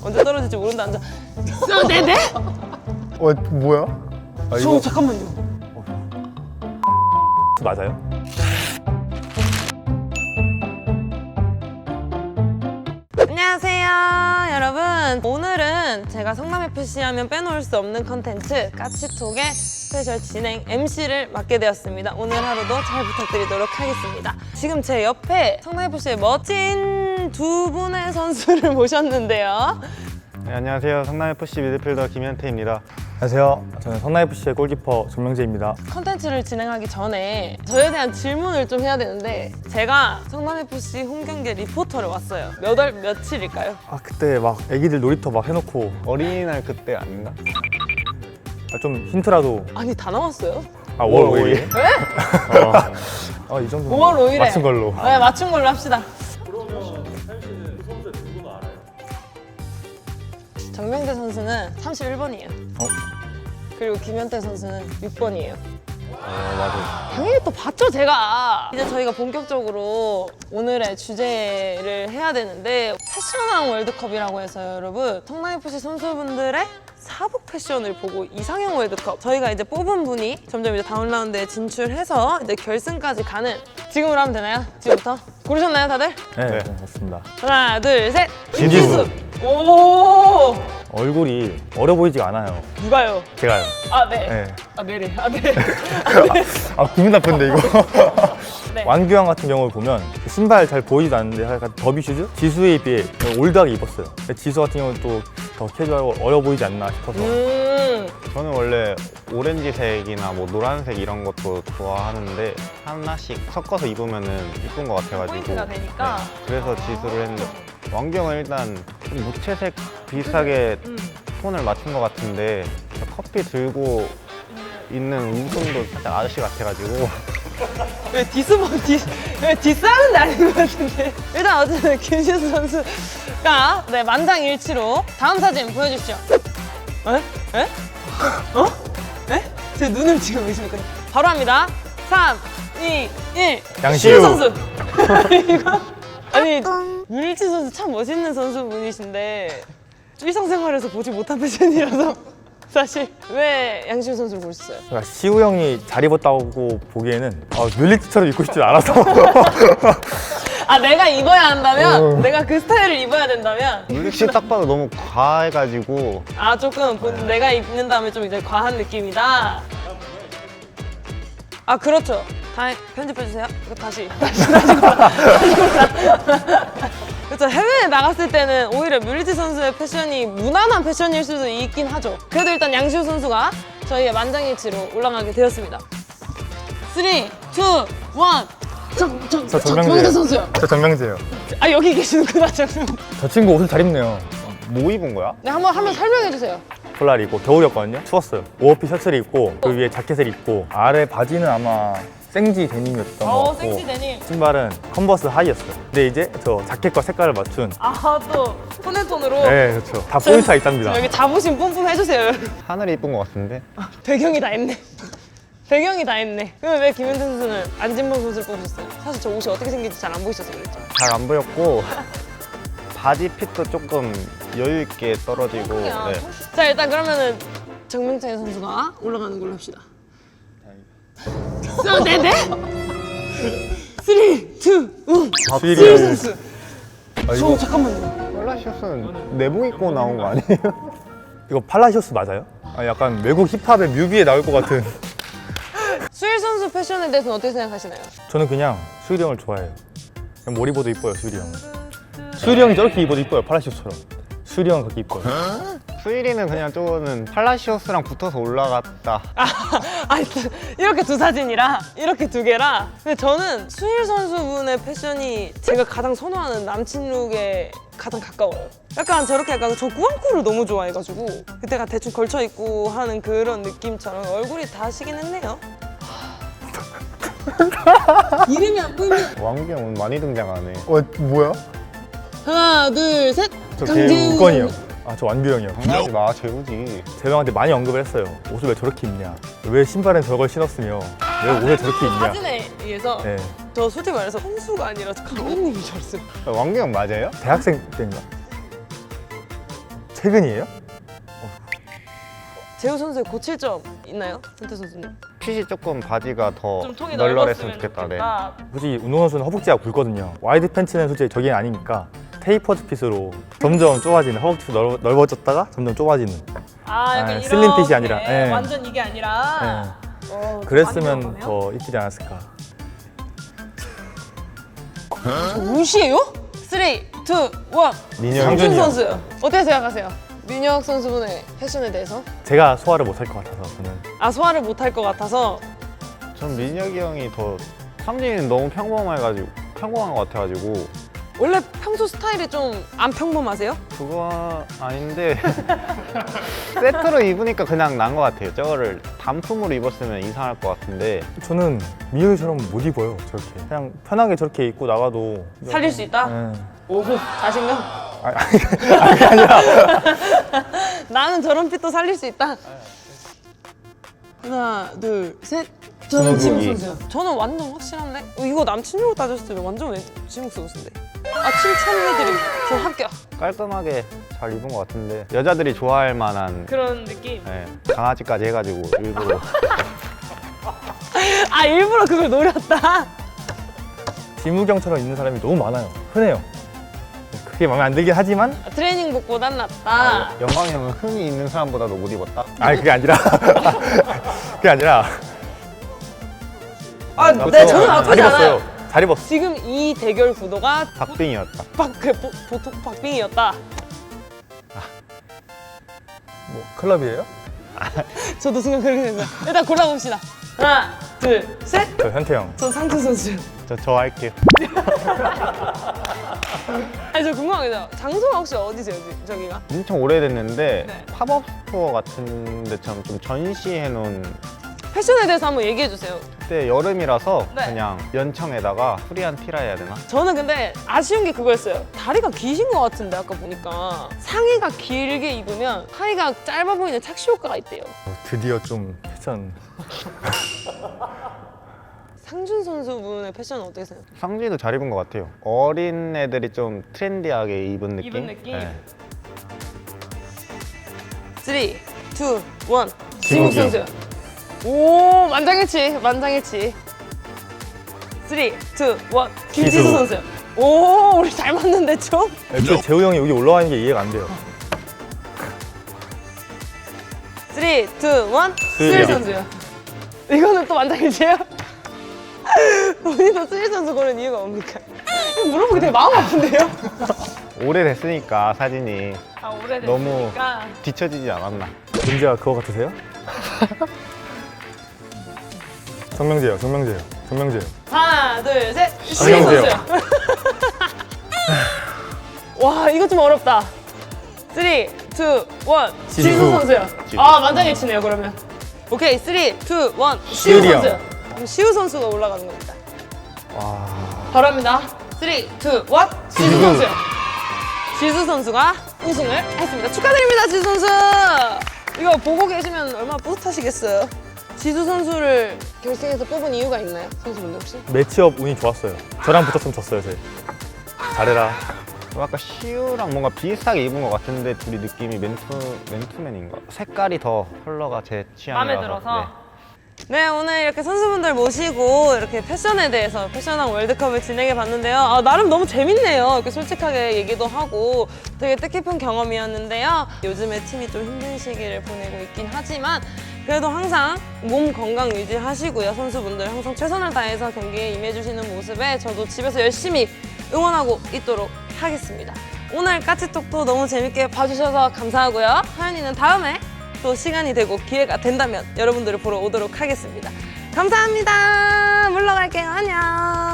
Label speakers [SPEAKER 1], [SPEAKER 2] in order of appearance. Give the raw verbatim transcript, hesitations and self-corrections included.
[SPEAKER 1] 언제 떨어질지 모른다. 앉아. 어, 네네?
[SPEAKER 2] 어 뭐야? 아,
[SPEAKER 1] 저 잠깐만요.
[SPEAKER 2] 맞아요?
[SPEAKER 1] 안녕하세요 여러분. 오늘은 제가 성남에프씨 하면 빼놓을 수 없는 컨텐츠 까치톡의 스페셜 진행 엠씨를 맡게 되었습니다. 오늘 하루도 잘 부탁드리도록 하겠습니다. 지금 제 옆에 성남에프씨의 멋진 두 분의 선수를 모셨는데요.
[SPEAKER 3] 네, 안녕하세요. 성남에프씨 미드필더 김현태입니다.
[SPEAKER 2] 안녕하세요. 저는 성남에프씨의 골키퍼 정명재입니다.
[SPEAKER 1] 컨텐츠를 진행하기 전에 저에 대한 질문을 좀 해야 되는데, 제가 성남에프씨 홈경기에 리포터를 왔어요. 몇 월 며칠일까요?
[SPEAKER 2] 아 그때 막 애기들 놀이터 막 해놓고
[SPEAKER 3] 어린이날 그때 아닌가?
[SPEAKER 2] 아, 좀 힌트라도.
[SPEAKER 1] 아니 다 나왔어요?
[SPEAKER 2] 아 오월 오일?
[SPEAKER 1] 네?
[SPEAKER 2] 아 이 정도
[SPEAKER 1] 오월 오일에
[SPEAKER 2] 맞춘 걸로.
[SPEAKER 1] 네, 맞춘 걸로 합시다. 정명재 선수는 삼십일 번이에요.
[SPEAKER 2] 어?
[SPEAKER 1] 그리고 김현태 선수는 육 번이에요.
[SPEAKER 3] 어, 맞아요.
[SPEAKER 1] 당연히 또 봤죠, 제가. 이제 저희가 본격적으로 오늘의 주제를 해야 되는데, 패션왕 월드컵이라고 해서요, 여러분. 성남에프씨 선수분들의 사복 패션을 보고 이상형 월드컵. 저희가 이제 뽑은 분이 점점 이제 다음 라운드에 진출해서 이제 결승까지 가는. 지금으로 하면 되나요? 지금부터? 고르셨나요, 다들?
[SPEAKER 2] 네,
[SPEAKER 3] 네.
[SPEAKER 2] 네. 맞습니다.
[SPEAKER 1] 하나, 둘, 셋.
[SPEAKER 2] 김지수.
[SPEAKER 1] 오!
[SPEAKER 2] 얼굴이 어려 보이지가 않아요.
[SPEAKER 1] 누가요?
[SPEAKER 2] 제가요.
[SPEAKER 1] 아, 네.
[SPEAKER 2] 네.
[SPEAKER 1] 아, 네네. 아, 네.
[SPEAKER 2] 아 기분 나쁜데 이거.
[SPEAKER 1] 네.
[SPEAKER 2] 완규형 같은 경우를 보면 신발 잘 보이지도 않는데 약간 더비 슈즈? 지수에 비해 올드하게 입었어요. 근데 지수 같은 경우는 또 더 캐주얼하고 어려 보이지 않나 싶어서.
[SPEAKER 1] 음.
[SPEAKER 3] 저는 원래 오렌지색이나 뭐 노란색 이런 것도 좋아하는데 하나씩 섞어서 입으면은 이쁜 것 같아가지고.
[SPEAKER 1] 포인트가 되니까.
[SPEAKER 3] 네, 그래서 지수를 했는데 왕경은 일단 좀 무채색 비슷하게
[SPEAKER 1] 음.
[SPEAKER 3] 톤을 맞춘 것 같은데 커피 들고 있는 웃음도 살짝 아저씨 같아가지고.
[SPEAKER 1] 왜 디스모 디, 왜 디스하는 데 아닌 것 같은데. 일단 어쨌든 김지수 선수가 네 만장일치로 다음 사진 보여주시죠. 에? 에? 어? 에? 제 눈을 지금 의심했거든요. 바로 합니다. 삼, 이, 일.
[SPEAKER 2] 양시우.
[SPEAKER 1] 선수. 이거 아니 류일치 선수 참 멋있는 선수분이신데 일상생활에서 보지 못한 패션이라서. 사실 왜 양시우 선수를 고르셨어요?
[SPEAKER 2] 그러니까 시우 형이 잘 입었다고 보기에는 아, 뮬리티처럼 입고 싶지 않아서.
[SPEAKER 1] 아 내가 입어야 한다면?
[SPEAKER 2] 어.
[SPEAKER 1] 내가 그 스타일을 입어야 된다면?
[SPEAKER 3] 물리치 딱 봐도 너무 과해가지고.
[SPEAKER 1] 아 조금 본- 내가 입는 다음에 좀 이제 과한 느낌이다. 아 그렇죠. 다 편집해주세요. 이거 다시 다시 다시 골라. 다시 골라. 그렇죠. 해외에 나갔을 때는 오히려 뮬리치 선수의 패션이 무난한 패션일 수도 있긴 하죠. 그래도 일단 양시우 선수가 저희의 만장일치로 올라가게 되었습니다. 삼, 이, 일. 저, 저,
[SPEAKER 2] 저
[SPEAKER 1] 저
[SPEAKER 2] 정명재.
[SPEAKER 1] 정명재 선수요.
[SPEAKER 2] 저 정명재예요.
[SPEAKER 1] 아 여기 계시는구나. 정명.
[SPEAKER 2] 저 친구 옷을 잘 입네요.
[SPEAKER 3] 뭐 입은 거야?
[SPEAKER 1] 네 한번 한번 설명해 주세요.
[SPEAKER 2] 폴라를 입고 겨울이었거든요. 추웠어요. 오버핏 셔츠를 입고 그 위에 자켓을 입고 아래 바지는 아마 생지 데님이었던 것
[SPEAKER 1] 어
[SPEAKER 2] 같고
[SPEAKER 1] 생지 데님.
[SPEAKER 2] 신발은 컨버스 하이였어요. 근데 이제 저 자켓과 색깔을 맞춘.
[SPEAKER 1] 아또 톤앤톤으로.
[SPEAKER 2] 네 그렇죠. 다 포인트가 있답니다.
[SPEAKER 1] 여기 자부심 뿜뿜 해주세요.
[SPEAKER 3] 하늘이 이쁜 것 같은데?
[SPEAKER 1] 배경이 다 했네. 배경이 다 했네. 그러면 왜 김현태 선수는 안진범 선수를 뽑으셨어요? 사실 저 옷이 어떻게 생긴지 잘 안 보이셔서 그랬죠.
[SPEAKER 3] 잘 안 보였고 바지 핏도 조금 여유 있게 떨어지고. 네.
[SPEAKER 1] 자 일단 그러면은 정명재 선수가 올라가는 걸로 합시다. 자, 네네. 삼, 이, 일.
[SPEAKER 2] 수일이
[SPEAKER 1] 수일 선수.
[SPEAKER 2] 아,
[SPEAKER 1] 저
[SPEAKER 2] 이거,
[SPEAKER 3] 어, 폴라시오스는 내복 입고 나온 거 아니에요?
[SPEAKER 2] 이거 팔라시오스 맞아요? 아, 약간 외국 힙합의 뮤비에 나올 것 같은.
[SPEAKER 1] 수일 선수 패션에 대해서는 어떻게 생각하시나요?
[SPEAKER 2] 저는 그냥 수일이 형을 좋아해요. 그냥 뭘 입어도 이뻐요 수일이 형은. 수일이 형이 저렇게 입어도 이뻐요 팔라시오스처럼. 수일이 형은 그렇게 이뻐요.
[SPEAKER 3] 수일이는 그냥 저거는 팔라시오스랑 붙어서 올라갔다.
[SPEAKER 1] 아, 아, 이렇게 두 사진이라 이렇게 두 개라. 근데 저는 수일 선수분의 패션이 제가 가장 선호하는 남친 룩에 가장 가까워요. 약간 저렇게 약간 저 꾸안꾸를 너무 좋아해가지고 그때가 대충 걸쳐 입고 하는 그런 느낌처럼 얼굴이 다시긴 했네요. 이름이 안 보이면
[SPEAKER 3] 왕경은 많이 등장하네.
[SPEAKER 2] 어 뭐야?
[SPEAKER 1] 하나 둘 셋.
[SPEAKER 2] 저 재우건이요. 아 저 완규형이요.
[SPEAKER 3] 장난하지 마, 재우지.
[SPEAKER 2] 재명한테 많이 언급을 했어요. 옷을 왜 저렇게 입냐? 왜 신발엔 저걸 신었으며 왜 옷을 저렇게 입냐?
[SPEAKER 1] 사진에 의해서
[SPEAKER 2] 네.
[SPEAKER 1] 저 솔직히 말해서 선수가 아니라 감독님이 줄 알았어요.
[SPEAKER 3] 왕경 맞아요?
[SPEAKER 2] 대학생 때인가? 최근이에요?
[SPEAKER 1] 재우 선수의 고칠 점 있나요? 선태 선수님?
[SPEAKER 3] 핏이 조금 바지가 더
[SPEAKER 1] 좀 통이
[SPEAKER 3] 널널했으면
[SPEAKER 1] 넓었으면
[SPEAKER 3] 좋겠다. 네.
[SPEAKER 1] 좋겠다.
[SPEAKER 2] 솔직히 운동선수는 허벅지가 굵거든요. 와이드 팬츠는 솔직히 저게 아니니까 테이퍼드 핏으로 점점 좁아지는, 허벅지가 넓, 넓어졌다가 점점 좁아지는.
[SPEAKER 1] 아, 약간
[SPEAKER 2] 아,
[SPEAKER 1] 이렇게
[SPEAKER 2] 슬림 핏이 아니라, 예.
[SPEAKER 1] 완전 이게 아니라
[SPEAKER 2] 네.
[SPEAKER 1] 어, 많이
[SPEAKER 2] 그랬으면
[SPEAKER 1] 들어가네요.
[SPEAKER 2] 더 이쁘지 않았을까.
[SPEAKER 1] 저 무시해요? 삼, 이, 일
[SPEAKER 3] 민혁이
[SPEAKER 1] 상준
[SPEAKER 2] 상준이요.
[SPEAKER 1] 선수 어떻게 생각하세요? 민혁 선수분의 패션에 대해서?
[SPEAKER 2] 제가 소화를 못 할 것 같아서 저는.
[SPEAKER 1] 아 소화를 못할 것 같아서
[SPEAKER 3] 전 민혁이 형이 더 상준이는 너무 평범해가지고 평범한 것 같아가지고
[SPEAKER 1] 원래 평소 스타일이 좀 안 평범하세요?
[SPEAKER 3] 그거 아닌데 세트로 입으니까 그냥 난 것 같아요. 저거를 단품으로 입었으면 이상할 것 같은데
[SPEAKER 2] 저는 민혁이처럼 못 입어요, 저렇게. 그냥 편하게 저렇게 입고 나가도.
[SPEAKER 1] 살릴 수 있다?
[SPEAKER 2] 네.
[SPEAKER 1] 오호 자신감?
[SPEAKER 2] 아니, 아니, 그게 아니라.
[SPEAKER 1] 나는 저런 핏도 살릴 수 있다. 하나, 둘, 셋. 저는 지묵
[SPEAKER 3] 지묵이.
[SPEAKER 1] 선수요. 저는 완전 확실한데? 어, 이거 남친으로 따졌을 때 완전 왜 지묵 선수인데? 아 칭찬해드림. 저 합격.
[SPEAKER 3] 깔끔하게 잘 입은 것 같은데 여자들이 좋아할 만한
[SPEAKER 1] 그런 느낌.
[SPEAKER 3] 네, 강아지까지 해가지고 일부러
[SPEAKER 1] 아 일부러 그걸 노렸다.
[SPEAKER 2] 지무경처럼 입는 사람이 너무 많아요. 흔해요. 그게 마음에 안 들긴 하지만.
[SPEAKER 1] 아, 트레이닝복보단 낫다.
[SPEAKER 3] 영광이 형은 흥이 있는 사람보다도 못 입었다.
[SPEAKER 2] 아니, 그게 아니라. 그게 아니라.
[SPEAKER 1] 아, 네, 저는 나쁘지
[SPEAKER 2] 잘 입었어요.
[SPEAKER 1] 않아요.
[SPEAKER 2] 잘 입었어.
[SPEAKER 1] 지금 이 대결 구도가
[SPEAKER 3] 박빙이었다.
[SPEAKER 1] 박, 그, 보, 보통 박빙이었다.
[SPEAKER 2] 뭐, 클럽이에요?
[SPEAKER 1] 저도 순간 그렇게 됐어요. 일단 골라봅시다. 하나, 둘, 셋.
[SPEAKER 2] 저 현태형.
[SPEAKER 1] 전 상준 선수.
[SPEAKER 3] 저, 저 할게요.
[SPEAKER 1] 아니 저 궁금한 게 장소가 혹시 어디세요? 지- 저기가?
[SPEAKER 3] 엄청 오래됐는데
[SPEAKER 1] 네.
[SPEAKER 3] 팝업 스토어 같은 데처럼 좀 전시해 놓은
[SPEAKER 1] 패션에 대해서 한번 얘기해 주세요.
[SPEAKER 3] 그때 여름이라서
[SPEAKER 1] 네.
[SPEAKER 3] 그냥 연청에다가 프리한 티라 해야 되나?
[SPEAKER 1] 저는 근데 아쉬운 게 그거였어요. 다리가 기신 것 같은데 아까 보니까 상의가 길게 입으면 하의가 짧아 보이는 착시 효과가 있대요.
[SPEAKER 2] 어, 드디어 좀 패션.
[SPEAKER 1] 상준 선수분의 패션은 어떻게 생각해요?
[SPEAKER 3] 상진이도 잘 입은 것 같아요. 어린 애들이 좀 트렌디하게 입은 느낌?
[SPEAKER 1] 입은 느낌?
[SPEAKER 3] 네.
[SPEAKER 1] 삼, 이, 일 지묵
[SPEAKER 2] 지묵이요.
[SPEAKER 1] 선수. 오 만장일치 만장일치. 삼, 이, 일 김지수
[SPEAKER 2] 지수.
[SPEAKER 1] 선수. 오 우리 잘 맞는데 좀?
[SPEAKER 2] 애초에 재우 형이 여기 올라와 있는 게 이해가 안 돼요.
[SPEAKER 1] 삼, 이, 일 스릴
[SPEAKER 2] 스릴.
[SPEAKER 1] 선수요. 이거는 또 만장일치예요? 본인도 스릴 선수 고른 이유가 뭡니까? 이거 물어보기 되게 마음 아픈데요?
[SPEAKER 3] 오래됐으니까 사진이
[SPEAKER 1] 아 오래됐으니까.
[SPEAKER 3] 너무 뒤처지지 않았나?
[SPEAKER 2] 문제가 그거 같으세요? 정명재요, 정명재요, 정명재요.
[SPEAKER 1] 하나 둘 셋.
[SPEAKER 2] 안녕히
[SPEAKER 1] 스릴
[SPEAKER 2] 계세요.
[SPEAKER 1] 선수요. 와 이거 좀 어렵다. 삼, 이, 일 지수
[SPEAKER 2] 지수.
[SPEAKER 1] 선수요.
[SPEAKER 3] 지수.
[SPEAKER 1] 아 만장일치네요 그러면. 오케이 삼, 이, 일 시우
[SPEAKER 2] 시우리 형.
[SPEAKER 1] 선수요. 그럼 시우 선수가 올라가는 겁니다.
[SPEAKER 3] 와...
[SPEAKER 1] 바랍니다. 삼, 이, 일 지수
[SPEAKER 2] 지수.
[SPEAKER 1] 선수요. 지수 선수가 우승을 했습니다. 축하드립니다, 지수 선수. 이거 보고 계시면 얼마나 뿌듯하시겠어요. 지수 선수를 결승에서 뽑은 이유가 있나요, 선수분들 혹시?
[SPEAKER 2] 매치업 운이 좋았어요. 저랑 붙었으면 졌어요, 제. 잘해라.
[SPEAKER 3] 아까 시우랑 뭔가 비슷하게 입은 것 같은데 둘이 느낌이 맨투, 맨투맨인가? 색깔이 더 컬러가 제 취향이라서
[SPEAKER 1] 마음에 들어서. 네, 오늘 이렇게 선수분들 모시고 이렇게 패션에 대해서 패션왕 월드컵을 진행해 봤는데요. 아, 나름 너무 재밌네요. 이렇게 솔직하게 얘기도 하고 되게 뜻깊은 경험이었는데요. 요즘에 팀이 좀 힘든 시기를 보내고 있긴 하지만 그래도 항상 몸 건강 유지하시고요. 선수분들 항상 최선을 다해서 경기에 임해주시는 모습에 저도 집에서 열심히 응원하고 있도록 하겠습니다. 오늘 까치톡도 너무 재밌게 봐주셔서 감사하고요. 하연이는 다음에 또 시간이 되고 기회가 된다면 여러분들을 보러 오도록 하겠습니다. 감사합니다. 물러갈게요. 안녕.